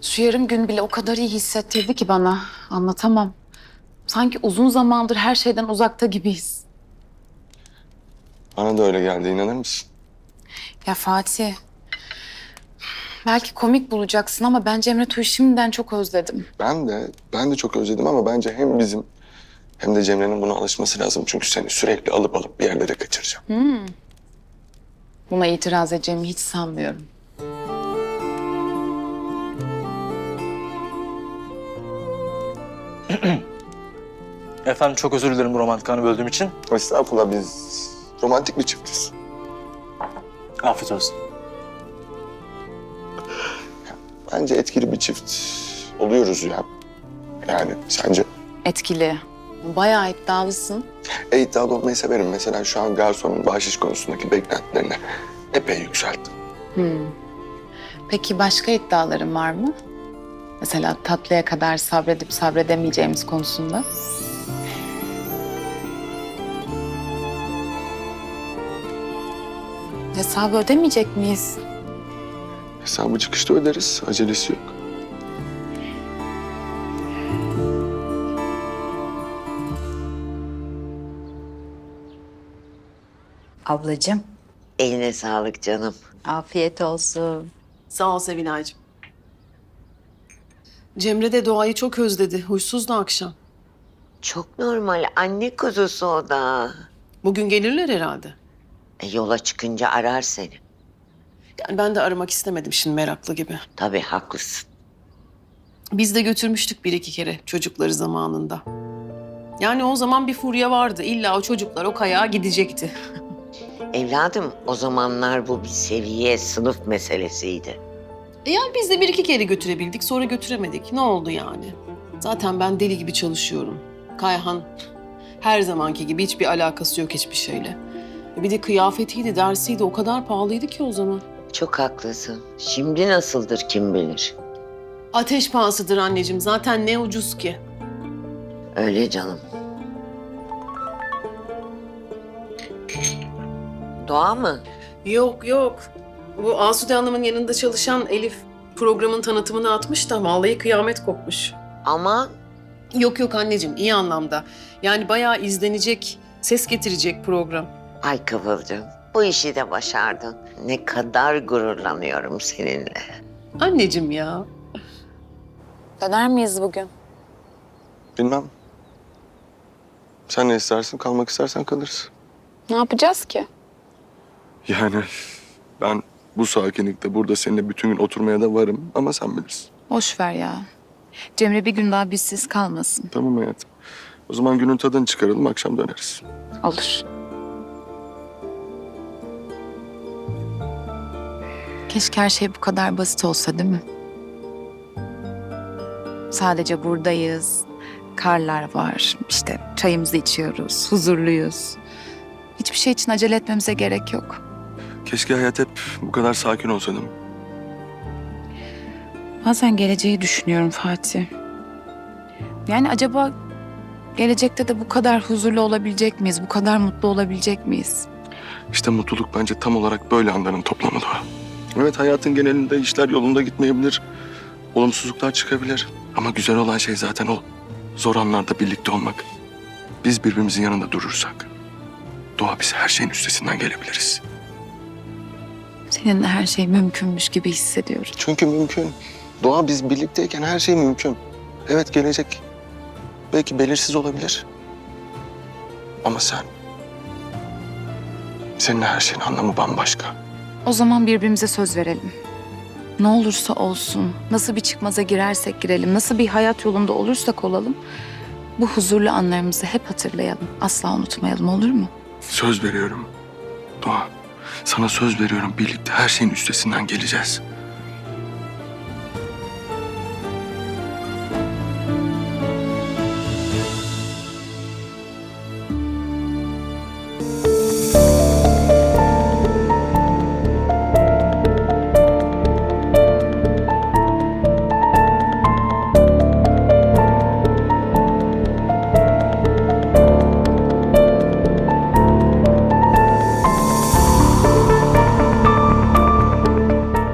Şu yarım gün bile o kadar iyi hissettirdi ki bana. Anlatamam. Sanki uzun zamandır her şeyden uzakta gibiyiz. Bana da öyle geldi, inanır mısın? Ya Fatih, belki komik bulacaksın ama ben Cemre Tuğ'u şimdiden çok özledim. Ben de çok özledim ama bence hem bizim hem de Cemre'nin buna alışması lazım. Çünkü seni sürekli alıp bir yerlere kaçıracağım. Buna itiraz edeceğimi hiç sanmıyorum. Efendim çok özür dilerim bu romantik anı böldüğüm için. Estağfurullah, biz romantik bir çiftiz. Afiyet olsun. Bence etkili bir çift oluyoruz ya. Yani sence? Etkili. Bayağı iddialısın. İddialı olmayı severim. Mesela şu an garsonun bahşiş konusundaki beklentilerini epey yükselttim. Peki başka iddiaların var mı? Mesela tatlıya kadar sabredip sabredemeyeceğimiz konusunda. Hesabı ödemeyecek miyiz? Hesabı çıkışta öderiz. Acelesi yok. Ablacığım, Eline sağlık canım. afiyet olsun. Sağ ol Sevinay'cığım. Cemre de Doğa'yı çok özledi. Huysuzdu akşam. Çok normal. Anne kuzusu o da. Bugün gelirler herhalde. Yola çıkınca arar seni. Yani ben de aramak istemedim şimdi meraklı gibi. Tabii haklısın. Biz de götürmüştük bir iki kere çocukları zamanında. Yani o zaman bir furya vardı. İlla o çocuklar o kayağa gidecekti. Evladım o zamanlar bu bir seviye, sınıf meselesiydi. Yani biz de bir iki kere götürebildik sonra götüremedik. Ne oldu yani? Zaten ben deli gibi çalışıyorum. Kayhan her zamanki gibi hiçbir alakası yok hiçbir şeyle. Bir de kıyafetiydi, dersiydi o kadar pahalıydı ki o zaman. Çok haklısın. Şimdi nasıldır kim bilir. Ateş pahasıdır anneciğim. Zaten ne ucuz ki. Öyle canım. Doğa mı? Yok yok. Bu Asude Hanım'ın yanında çalışan Elif programın tanıtımını atmış da vallahi kıyamet kopmuş. Ama Yok yok anneciğim iyi anlamda. Yani bayağı izlenecek, ses getirecek program. ay Kıvılcım bu işi de başardın. Ne kadar gururlanıyorum seninle. Anneciğim ya. Döner miyiz bugün? Bilmem. Sen ne istersin? Kalmak istersen kalırız. Ne yapacağız ki? Yani ben bu sakinlikte burada seninle bütün gün oturmaya da varım ama sen bilirsin. Boş ver ya. Cemre bir gün daha bizsiz kalmasın. Tamam hayatım. O zaman günün tadını çıkaralım, akşam döneriz. Olur. Keşke her şey bu kadar basit olsa değil mi? Sadece buradayız. Karlar var. İşte çayımızı içiyoruz. Huzurluyuz. Hiçbir şey için acele etmemize gerek yok. Keşke hayat hep bu kadar sakin olsa değil mi? Bazen geleceği düşünüyorum Fatih. Yani acaba gelecekte de bu kadar huzurlu olabilecek miyiz? Bu kadar mutlu olabilecek miyiz? İşte mutluluk bence tam olarak böyle anların toplamı da. Evet, hayatın genelinde işler yolunda gitmeyebilir. Olumsuzluklar çıkabilir. Ama güzel olan şey zaten o. Zor anlarda birlikte olmak. Biz birbirimizin yanında durursak Doğa, biz her şeyin üstesinden gelebiliriz. Seninle her şey mümkünmüş gibi hissediyorum. Çünkü mümkün. Doğa, biz birlikteyken her şey mümkün. Evet, gelecek belki belirsiz olabilir. Ama seninle her şeyin anlamı bambaşka. O zaman birbirimize söz verelim. Ne olursa olsun, nasıl bir çıkmaza girersek girelim, nasıl bir hayat yolunda olursak olalım, bu huzurlu anlarımızı hep hatırlayalım. Asla unutmayalım, olur mu? Söz veriyorum Doğa. Sana söz veriyorum, birlikte her şeyin üstesinden geleceğiz.